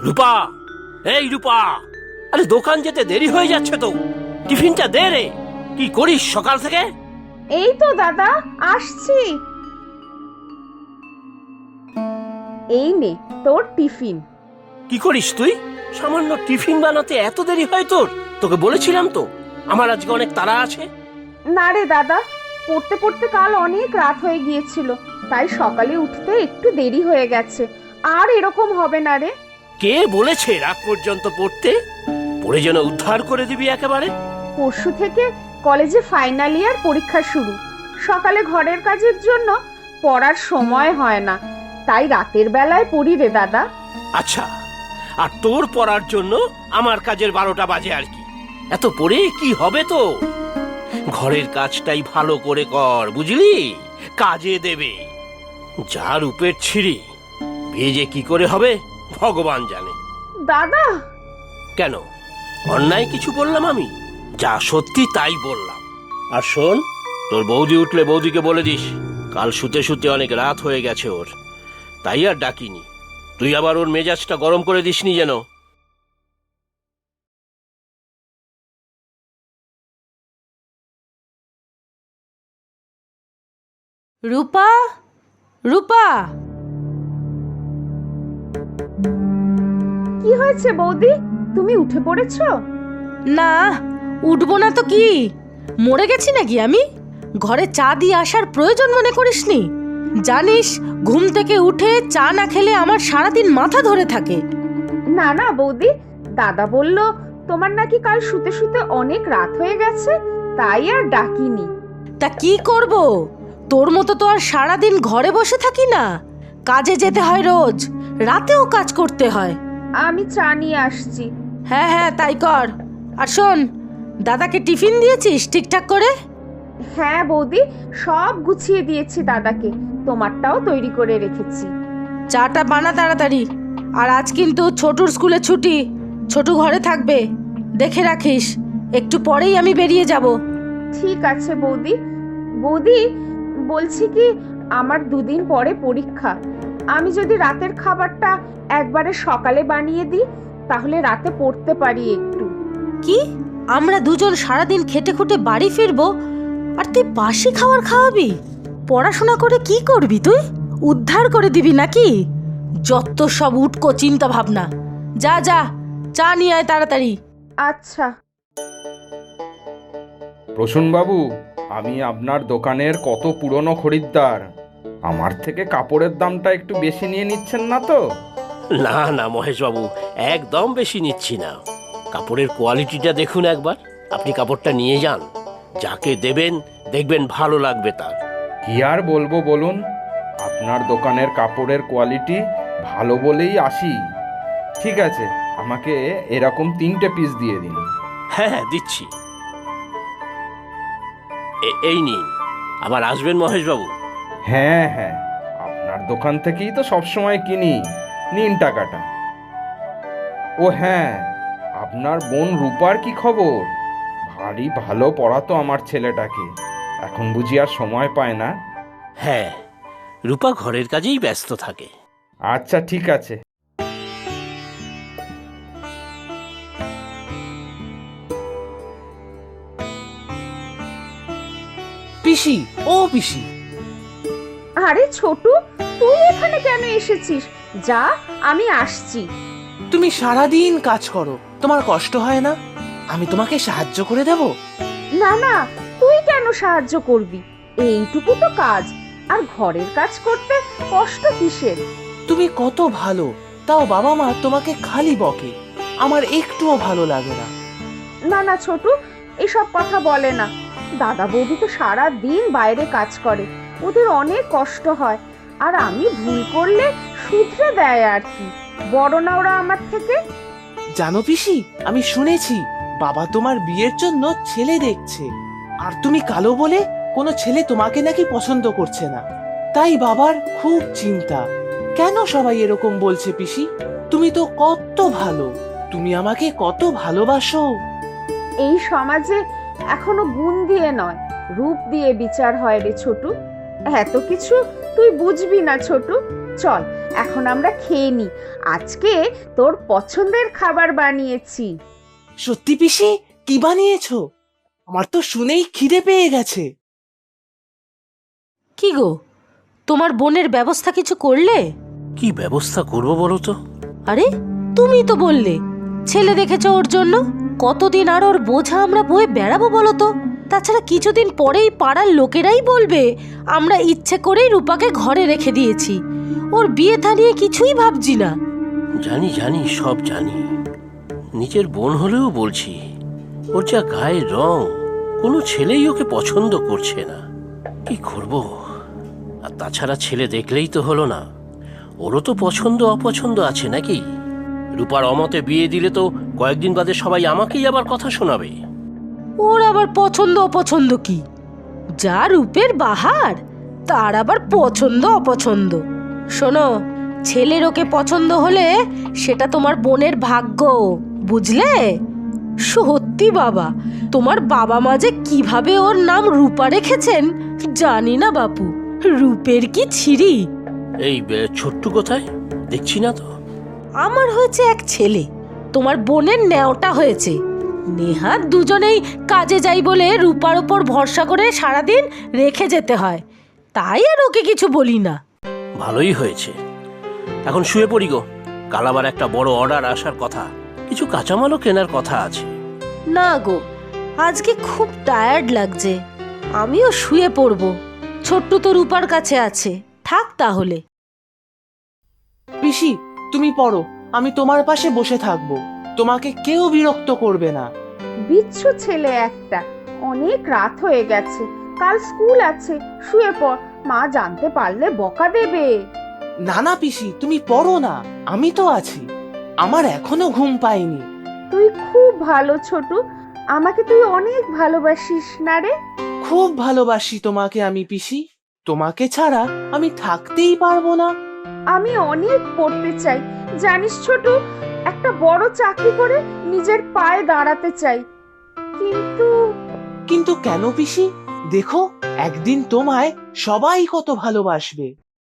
রূপা, এই রূপা, আরে দোকান যেতে দেরি হয়ে যাচ্ছে তো, টিফিনটা দে রে। কি করিস সকাল থেকে? এই তো দাদা আসছি। এই নে তোর টিফিন। কি করিস তুই? সামান্য টিফিন বানাতে এত দেরি হয় তোর? তোকে বলেছিলাম তো আমার আজকে অনেক তাড়া আছে। না রে দাদা, পড়তে পড়তে কাল অনেক রাত হয়ে গিয়েছিল, তাই সকালে উঠতে একটু দেরি হয়ে গেছে। আর এরকম হবে না রে। কে বলেছে রাত পর্যন্ত পড়তে? পড়ে যেন উদ্ধার করে দিবি একেবারে। পরশু থেকে কলেজে ফাইনাল ইয়ার পরীক্ষা শুরু। সকালে ঘরের কাজের জন্য পড়ার সময় হয় না, তাই রাতের বেলায় পড়ি রে দাদা। আচ্ছা, আর তোর পড়ার জন্য আমার কাজের 12টা বাজে আর কি। এত পড়ে কি হবে তো? ঘরের কাজটাই ভালো করে কর, বুঝলি? কাজে দেবে। যা রূপের ছিঁড়ি, বিয়ে যে কি করে হবে ভগবান জানে। দাদা, কেন, অন্যায় কিছু বললাম আমি? যা সত্যি তাই বললাম। আর শোন, তোর বৌদি উঠলে বৌদিকে বলে দিস কাল শুতে শুতে অনেক রাত হয়ে গেছে ওর, তাই আর ডাকিনি। তুই আবার ওর মেজাজটা গরম করে দিসনি যেন। রূপা, রূপা, কি হয়েছে বৌদি? তুমি উঠে পড়েছো? না উঠবো না তো কি, মরে গেছি নাকি আমি? ঘরে চা দিয়ে আসার প্রয়োজন মনে করিসনি? জানিস ঘুম থেকে উঠে চা না খেলে আমার সারাদিন মাথা ধরে থাকে। না না বৌদি, দাদা বলল তোমার নাকি কাল শুতে শুতে অনেক রাত হয়ে গেছে, তাই আর ডাকিনি। তা কি করব, তোর মতো তো আর সারাদিন ঘরে বসে থাকি না, কাজে যেতে হয় রোজ, রাতেও কাজ করতে হয়। আমি চা নিয়ে আসছি। হ্যাঁ হ্যাঁ তাই কর। আর শোন, দাদাকে টিফিন দিয়েছিস ঠিকঠাক করে? হ্যাঁ বৌদি, সব গুছিয়ে দিয়েছি দাদাকে, তোমারটাও তৈরি করে রেখেছি। চাটা বানা তাড়াতাড়ি। আর আজ কিন্তু ছোটুর স্কুলে ছুটি, ছোটু ঘরে থাকবে, দেখে রাখিস। একটু পরেই আমি বেরিয়ে যাব। ঠিক আছে বৌদি। বৌদি, বলছি কি, আমার 2 দিন পরে পরীক্ষা। আমি যদি রাতের খাবারটা একবারে সকালে বানিয়ে দিই, তাহলে রাতে পড়তে পারি একটু। কি, আমরা দুজন সারাদিন খেটে খুটে বাড়ি ফিরবো, আর তুই বাসি খাবার খাওয়াবি? পড়াশোনা করে কি করবি তুই? উদ্ধার করে দিবি নাকি? যত সব উটকো চিন্তা ভাবনা। যা যা, চা নিয়ে আয় তাড়াতাড়ি। আচ্ছা। প্রসূনবাবু, আমি আপনার দোকানের কত পুরনো খরিদ্দার। আমার থেকে কাপড়ের দামটা একটু বেশি নিয়ে নিচ্ছেন না তো? না না মহেশবাবু, একদম বেশি নিচ্ছি না। কাপড়ের কোয়ালিটিটা দেখুন একবার। আপনি কাপড়টা নিয়ে যান, যাকে দেবেন দেখবেন ভালো লাগবে তার। কি আর বলবো বলুন, আপনার দোকানের কাপড়ের কোয়ালিটি ভালো বলেই আসি। ঠিক আছে, আমাকে এরকম 3টে পিস দিয়ে দিন। হ্যাঁ হ্যাঁ দিচ্ছি। এই নিন, আবার আসবেন মহেশবাবু। হ্যাঁ হ্যাঁ, আপনার দোকান থেকেই তো সবসময় কিনি। নিন টাকাটা। ও হ্যাঁ, আপনার বোন রূপার কি খবর? ভারী ভালো পড়াতো আমার ছেলেটাকে, এখন বুঝি আর সময় পায় না। হ্যাঁ, রূপা ঘরের কাজেই ব্যস্ত থাকে। আচ্ছা ঠিক আছে। পিসি, ও পিসি, আরে ছোটু, তুই এখানে কেন এসেছিস? যা, আমি আসছি। তুমি সারাদিন কাজ করো, তোমার কষ্ট হয় না? আমি তোমাকে সাহায্য করে দেব। না না, তুই কেন সাহায্য করবি? এইটুকু তো কাজ, আর ঘরের কাজ করতে কষ্ট কিসের? তুমি কত ভালো, তাও বাবা মা তোমাকে খালি বকে, আমার একটুও ভালো লাগে না। না না ছোটু, এসব কথা বলে না। দাদা বৌদি তো সারা দিন বাইরে কাজ করে, ওদের অনেক কষ্ট হয়, আর আমি ভুল করলে শুধরে দেয় আর কি। বড় না ওরা আমার থেকে? জানো পিসি, আমি শুনেছি বাবা তোমার বিয়ের জন্য ছেলে দেখছে, আর তুমি কালো বলে কোনো ছেলে তোমাকে নাকি পছন্দ করছে না, তাই বাবার খুব চিন্তা। কেন সবাই এরকম বলছে পিসি? তুমি তো কত ভালো, তুমি আমাকে কত ভালোবাসো। এই সমাজে এখনো গুণ দিয়ে নয়, রূপ দিয়ে বিচার হয় রে ছোটু। এত কিছু তুই বুঝবি না ছোটু। চল, এখন আমরা খেয়ে নি। আজকে তোর পছন্দের খাবার বানিয়েছি। সত্যি পিসি, কি বানিয়েছো? আমার তো শুনেই খিদে পেয়ে গেছে। কি গো, তোমার বোনের ব্যবস্থা কিছু করলে? কি ব্যবস্থা করব বলো তো? আরে তুমি তো বললে ছেলে দেখেছো ওর জন্য। কতদিন আর ওর বোঝা আমরা বয়ে বেড়াবো বলো তো? তাছাড়া কিছুদিন পরেই পাড়ার লোকেরাই বলবে আমরা ইচ্ছে করেই রূপাকে ঘরে রেখে দিয়েছি। ওর বিয়ে থা নিয়ে কিছুই ভাবছি না। জানি জানি, সব জানি। নিজের বোন হলেও বলছি, ওর যা গায়ের রং, কোনো ছেলেই ওকে পছন্দ করছে না। কি করব? আর তাছাড়া ছেলে দেখলেই তো হলো না, ওরও তো পছন্দ অপছন্দ আছে নাকি? রূপার অমতে বিয়ে দিলে তো কয়েকদিন বাদে সবাই আমাকেই আবার কথা শোনাবে। ওর আবার পছন্দ অপছন্দ কি? যা রূপের বাহার, তার আবার পছন্দ অপছন্দ। শোনো, ছেলের ওকে পছন্দ হলে সেটা তোমার বোনের ভাগ্য, বুঝলে? সত্যি বাবা, তোমার বাবা মা যে কিভাবে ওর নাম রূপা রেখেছেন জানি না বাপু। রূপের কি ছিরি! এই ছোট্ট কোথায় দেখছি না তো? আমার হয়েছে এক ছেলে, তোমার বোনের ন্যাওটা হয়েছে। নেহাত দুজনেই কাজে যাই বলে রূপার ওপর ভরসা করে সারাদিন রেখে যেতে হয়, তাই আর ওকে কিছু বলি না। ভালোই হয়েছে। এখন শুয়ে পড়ি গো, কাল আবার একটা বড় অর্ডার আসার কথা, কিছু কাঁচামালও কেনার কথা আছে। না গো, আজকে খুব টায়ার্ড লাগছে, আমিও শুয়ে পড়ব। ছোট্টু তো রূপার কাছে আছে, থাক তাহলে। পিসি, তুমি পড়ো, আমি তোমার পাশে বসে থাকবো। তোমাকে কেউ বিরক্ত করবে না। বিচ্ছু ছেলে একটা। অনেক রাত হয়ে গেছে, কাল স্কুল আছে। শুয়ে পড়, মা জানতে পারলে বকা দেবে। না না পিসি, তুমি পড়ো না, আমি তো আছি। আমার এখনো ঘুম পায়নি। তুই খুব ভালো ছোটু, আমাকে তুই অনেক ভালোবাসিস না রে? খুব ভালোবাসি তোমাকে আমি পিসি, তোমাকে ছাড়া আমি থাকতেই পারবো না। আমি অনেক পড়তে চাই, জানিস ছোটু, একটা বড় চাকরি করে নিজের পায়ে দাঁড়াতে চাই। কিন্তু কিন্তু কেন পিসি? দেখো, একদিন তোমায় সবাই কত ভালোবাসবে।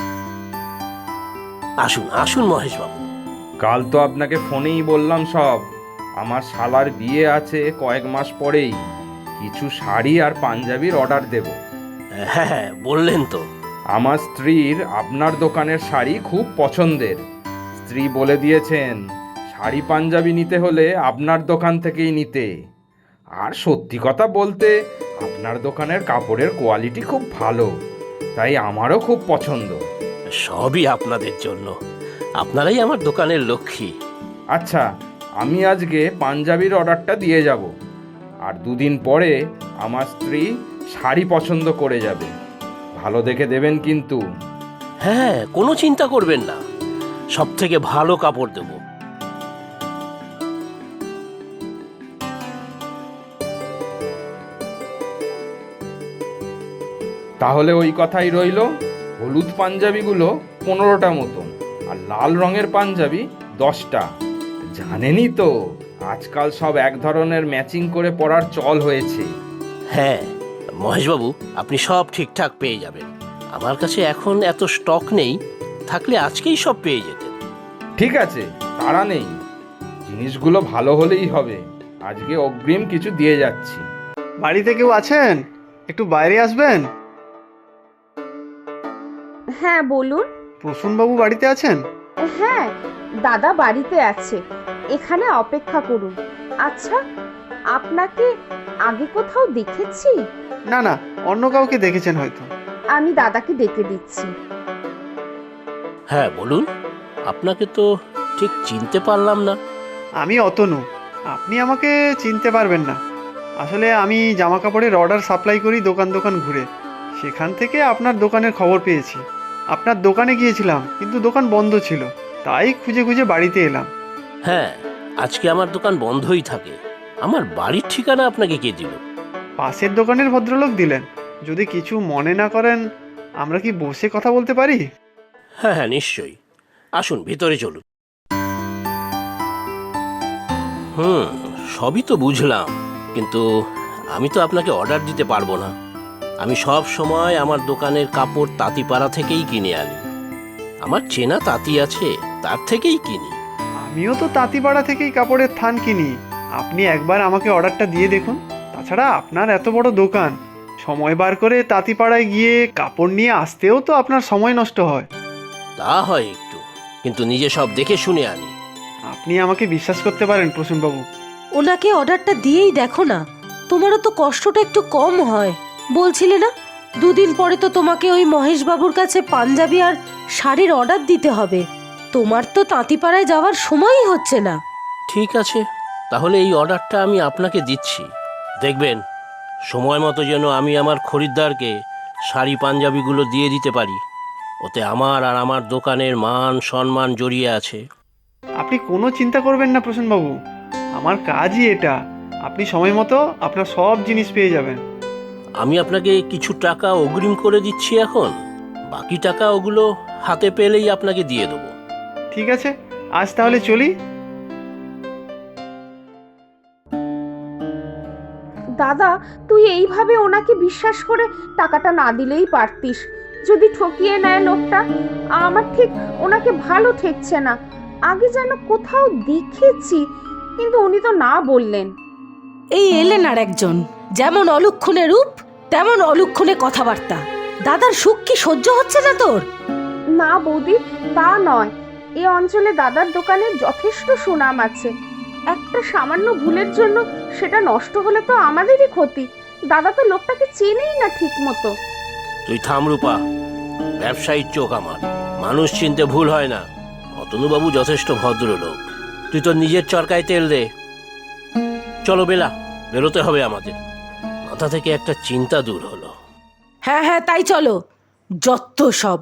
আসুন আসুন মহেশ বাবু। কাল তো আপনাকে ফোনেই বললাম সব। আমার শালার বিয়ে আছে কয়েক মাস পরেই। কিছু শাড়ি আর পাঞ্জাবির অর্ডার দেব। হ্যাঁ, বললেন তো। আমার স্ত্রীর আপনার দোকানের শাড়ি খুব পছন্দের। স্ত্রী বলে দিয়েছেন শাড়ি পাঞ্জাবি নিতে হলে আপনার দোকান থেকেই নিতে। আর সত্যি কথা বলতে আপনার দোকানের কাপড়ের কোয়ালিটি খুব ভালো, তাই আমারও খুব পছন্দ। সবই আপনাদের জন্য, আপনারাই আমার দোকানের লক্ষ্মী। আচ্ছা, আমি আজকে পাঞ্জাবির অর্ডারটা দিয়ে যাব, আর দুদিন পরে আমার স্ত্রী শাড়ি পছন্দ করে যাবে। ভালো দেখে দেবেন কিন্তু। হ্যাঁ, কোনো চিন্তা করবেন না, সব থেকে ভালো কাপড় দেব। তাহলে ওই কথাই রইল, হলুদ পাঞ্জাবিগুলো 15টা মতন, আর লাল রঙের পাঞ্জাবি 10টা। জানেনই তো আজকাল সব এক ধরনের ম্যাচিং করে পরার চল হয়েছে। হ্যাঁ মহেশবাবু, আপনি সব ঠিকঠাক পেয়ে যাবেন। আমার কাছে এখন এত স্টক নেই, থাকলে আজকেই সব পেয়ে যেতেন। ঠিক আছে, তাড়া নেই, জিনিসগুলো ভালো হলেই হবে। আজকে অগ্রিম কিছু দিয়ে যাচ্ছি। বাড়িতে কেউ আছেন? একটু বাইরে আসবেন। হ্যাঁ বলুন। প্রসূনবাবু বাড়িতে আছেন? হ্যাঁ, দাদা বাড়িতে আছে, এখানে অপেক্ষা করুন। আচ্ছা, আপনাকে আগে কোথাও দেখেছি? না না, অন্য কাউকে দেখেছেন হয়তো। আমি দাদাকে ডেকে দিচ্ছি। হ্যাঁ বলুন, আপনাকে তো ঠিক চিনতে পারলাম না। আমি অতনু, আপনি আমাকে চিনতে পারবেন না। আসলে আমি জামা কাপড়ের অর্ডার সাপ্লাই করি দোকান দোকান ঘুরে, সেখান থেকে আপনার দোকানের খবর পেয়েছি। আপনার দোকানে গিয়েছিলাম কিন্তু দোকান বন্ধ ছিল, তাই খুঁজে খুঁজে বাড়িতে এলাম। হ্যাঁ, আজকে আমার দোকান বন্ধই থাকে। আমার বাড়ির ঠিকানা আপনাকে কে দিল? পাশের দোকানের ভদ্রলোক দিলেন। যদি কিছু মনে না করেন, আমরা কি বসে কথা বলতে পারি? হ্যাঁ হ্যাঁ, নিশ্চয়ই, আসুন ভিতরে চলুন। সবই তো বুঝলাম, কিন্তু আমি তো আপনাকে অর্ডার দিতে পারবো না। আমি সব সময় আমার দোকানের কাপড় তাঁতিপাড়া থেকেই কিনে আনি। আমার চেনা তাঁতি আছে, তার থেকেই কিনি। আমিও তো তাঁতিপাড়া থেকেই কাপড়ের থান কিনি। আপনি একবার আমাকে অর্ডারটা দিয়ে দেখুন। তাছাড়া আপনার এত বড় দোকান, সময় বার করে তাঁতিপাড়ায় গিয়ে কাপড় নিয়ে আসতেও তো আপনার সময় নষ্ট হয়। তা হয় একটু, কিন্তু নিজে সব দেখে শুনে আনি। আপনি আমাকে বিশ্বাস করতে পারেন প্রসূনবাবু। ওনাকে অর্ডারটা দিয়েই দেখো না, তোমারও তো কষ্টটা একটু কম হয়। বলছিলে না 2 দিন পরে তো তোমাকে ওই মহেশ বাবুর কাছে পাঞ্জাবি আর শাড়ির অর্ডার দিতে হবে। তোমার তো তাঁতিপাড়ায় যাওয়ার সময়ই হচ্ছে না। ঠিক আছে, তাহলে এই অর্ডারটা আমি আপনাকে দিচ্ছি। দেখবেন সময় মতো যেন আমি আমার খরিদ্দারকে শাড়ি পাঞ্জাবিগুলো দিয়ে দিতে পারি। ওতে আমার আর আমার দোকানের মান সম্মান জড়িয়ে আছে। আপনি কোনো চিন্তা করবেন না প্রসূনবাবু, আমার কাজই এটা। আপনি সময় মতো আপনার সব জিনিস পেয়ে যাবেন। আমি আপনাকে কিছু টাকা অগ্রিম করে দিচ্ছি এখন, বাকি টাকা ওগুলো হাতে পেলেই আপনাকে দিয়ে দেবো। ঠিক আছে, আজ তাহলে চলি। দাদা, তুই এইভাবে ওনাকে বিশ্বাস করে টাকাটা না দিলেই পারতিস। যদি ঠকিয়ে নেয় লোকটা, আমার ঠিক ওনাকে ভালো ঠেকছে না। আগে যেন কোথাও দেখেছি, কিন্তু উনি তো না বললেন। এই এলেন আর একজন, যেমন অলক্ষণে রূপ তেমন অলক্ষণে কথাবার্তা। দাদার সুখ কি সহ্য হচ্ছে না তোর? না বৌদি, তা নয়। এই অঞ্চলে দাদার দোকানের যথেষ্ট সুনাম আছে। একটা সামান্য ভুলের জন্য সেটা নষ্ট হলে তো আমাদেরই ক্ষতি। দাদা তো লোকটাকে চেনেই না ঠিক মতো। তুই থাম রূপা, ব্যবসায়ীর চোখ আমার, মানুষ চিনতে ভুল হয় না। অতনুবাবু যথেষ্ট ভদ্রলোক। তুই তোর নিজের চরকায় তেল দে। চলো বেলা, বেরোতে হবে আমাদের। মাথা থেকে একটা চিন্তা দূর হলো। হ্যাঁ হ্যাঁ, তাই চলো। যত সব।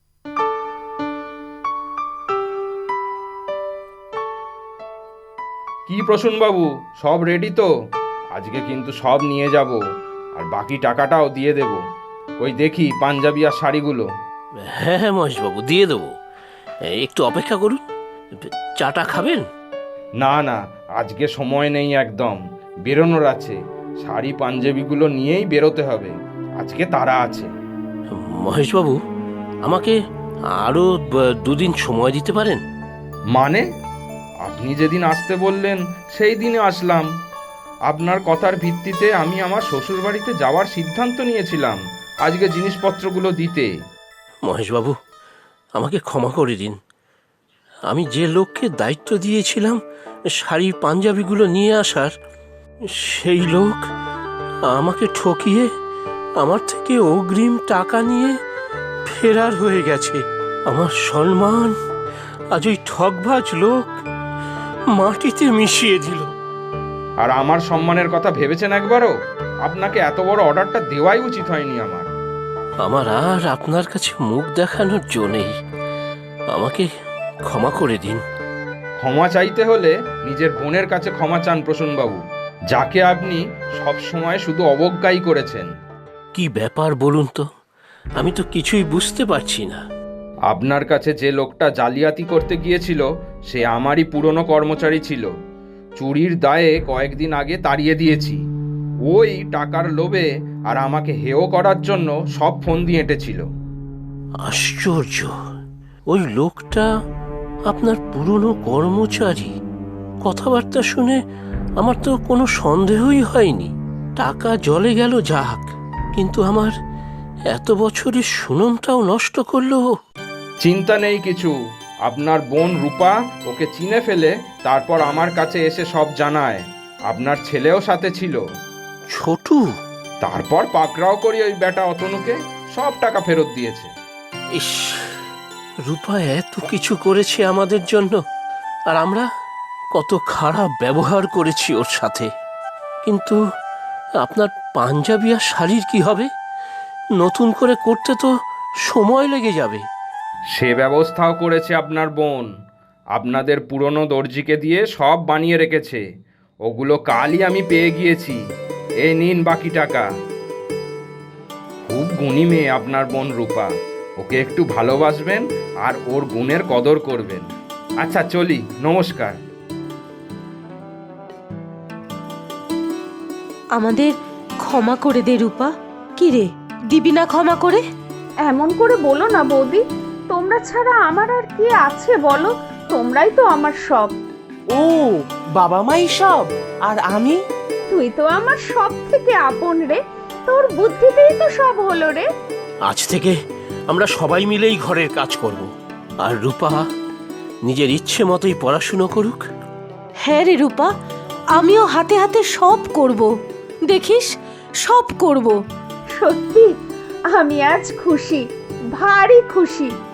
কি প্রসূনবাবু, সব রেডি তো? আজকে কিন্তু সব নিয়ে যাব, আর বাকি টাকাটাও দিয়ে দেব। ওই দেখি পাঞ্জাবি আর শাড়িগুলো। হ্যাঁ হ্যাঁ মহেশবাবু, দিয়ে দেবো। একটু অপেক্ষা করুন। চাটা খাবেন? না না, আজকে সময় নেই একদম, বেরোনোর আছে। শাড়ি পাঞ্জাবিগুলো নিয়েই বেরোতে হবে, আজকে তাড়া আছে। মহেশবাবু, আমাকে আরো 2 দিন সময় দিতে পারেন? মানে? আপনি যেদিন আসতে বললেন সেই দিনে আসলাম। আপনার কথার ভিত্তিতে আমি আমার শ্বশুর বাড়িতে যাওয়ার সিদ্ধান্ত নিয়েছিলাম আজকে জিনিসপত্রগুলো দিতে। মহেশবাবু, আমাকে ক্ষমা করে দিন। আমি যে লোককে দায়িত্ব দিয়েছিলাম শাড়ি পাঞ্জাবিগুলো নিয়ে আসার, সেই লোক আমাকে ঠকিয়ে আমার থেকে অগ্রিম টাকা নিয়ে ফেরার হয়ে গেছে। আমার সম্মান আজ ওই ঠকবাজ লোক মাটিতে মিশিয়ে দিল। আর আমার সম্মানের কথা ভেবেছেন একবারও? আপনাকে এত বড় অর্ডারটা দেওয়াই উচিত হয়নি আমার। আমার আর আপনার কাছে মুখ দেখানোর জো নেই। আমাকে ক্ষমা করে দিন। ক্ষমা চাইতে হলে নিজের বোনের কাছে ক্ষমা চান প্রসূনবাবু, যাকে আপনি সব সময় শুধু অবজ্ঞাই করেছেন। কি ব্যাপার বলুন তো, আমি তো কিছুই বুঝতে পারছি না। আপনার কাছে যে লোকটা জালিয়াতি করতে গিয়েছিল সে আমারই পুরনো কর্মচারী ছিল। চুরির দায়ে কয়েকদিন আগে তাড়িয়ে দিয়েছি। ওই টাকার লোভে আর আমাকে হেয় করার জন্য সব ফোন দিয়ে এঁটেছিল। আশ্চর্য, ওই লোকটা আপনার পুরনো কর্মচারী। কথাবার্তা শুনে আমার তো কোনো সন্দেহই হয়নি। টাকা জলে গেল যাক, কিন্তু আমার এত বছরের সুনামটাও নষ্ট করলো। চিন্তা নেই কিছু, আপনার বোন রূপা ওকে চিনে ফেলে তারপর আমার কাছে এসে সব জানায়। আপনার ছেলেও সাথে ছিল। ছোটু? তারপর পাকড়াও করি ওই বেটা অতনুকে, সব টাকা ফেরত দিয়েছে। ইস, রূপা এত কিছু করেছে আমাদের জন্য, আর আমরা কত খারাপ ব্যবহার করেছি ওর সাথে। কিন্তু আপনার পাঞ্জাবি আর শাড়ির কি হবে? নতুন করে করতে তো সময় লেগে যাবে। সে ব্যবস্থাও করেছে আপনার বোন। আপনাদের পুরনো দর্জিকে দিয়ে সব বানিয়ে রেখেছে। ওগুলো কালই আমি পেয়ে গিয়েছি। এই নিন বাকি টাকা। খুব গুণী মেয়ে আপনার বোন রূপা। ওকে একটু ভালোবাসবেন আর ওর গুণের কদর করবেন। আচ্ছা চলি, নমস্কার। আমাদের ক্ষমা করে দে রূপা। কি রে, দিবি না ক্ষমা করে? এমন করে বলো না বৌদি। তোমরা ছাড়া আমার আর কি আছে বলো? তোমরাই তো আমার সব। ও, বাবা মাই সব, আর আমি? তুই তো আমার সব থেকে আপন রে, তোর বুদ্ধিতেই তো সব হলো রে। আজ থেকে আমরা সবাই মিলেই ঘরের কাজ করব। আর রূপা নিজের ইচ্ছে মতোই পড়াশুনো করুক। হ্যাঁ রে রূপা, আমিও হাতে হাতে সব করব, দেখিস সব করব। সত্যি আমি আজ খুশি, ভারী খুশি।